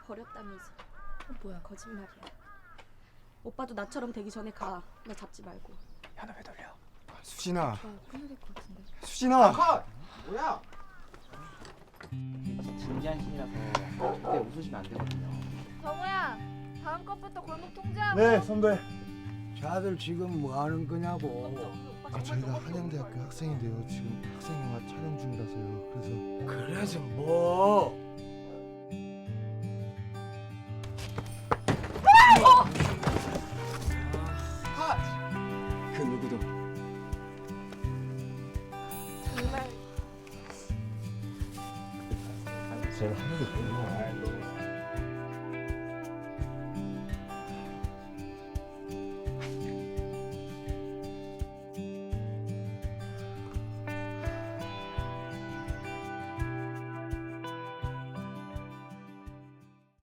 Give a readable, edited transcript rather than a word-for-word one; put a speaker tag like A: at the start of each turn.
A: 버렸다면서.
B: 뭐야?
A: 거짓말이야. 오빠도 나처럼 되기 전에 가. 나 잡지 말고.
C: 야, 너 왜 돌려?
D: 수진아,
B: 끊어야 될 것 같은데.
D: 수진아.
C: 컷! 뭐야?
E: 진지한 신이라서 절대 웃으시면 안 되거든요.
B: 정우야, 다음 것부터 골목 통제하고.
D: 네, 선배.
F: 자들 지금 뭐 하는 거냐고.
D: 저희가 한양대학교 학생인데요. 지금 학생영화 촬영 중이라서요. 그래서
F: 그래서 뭐?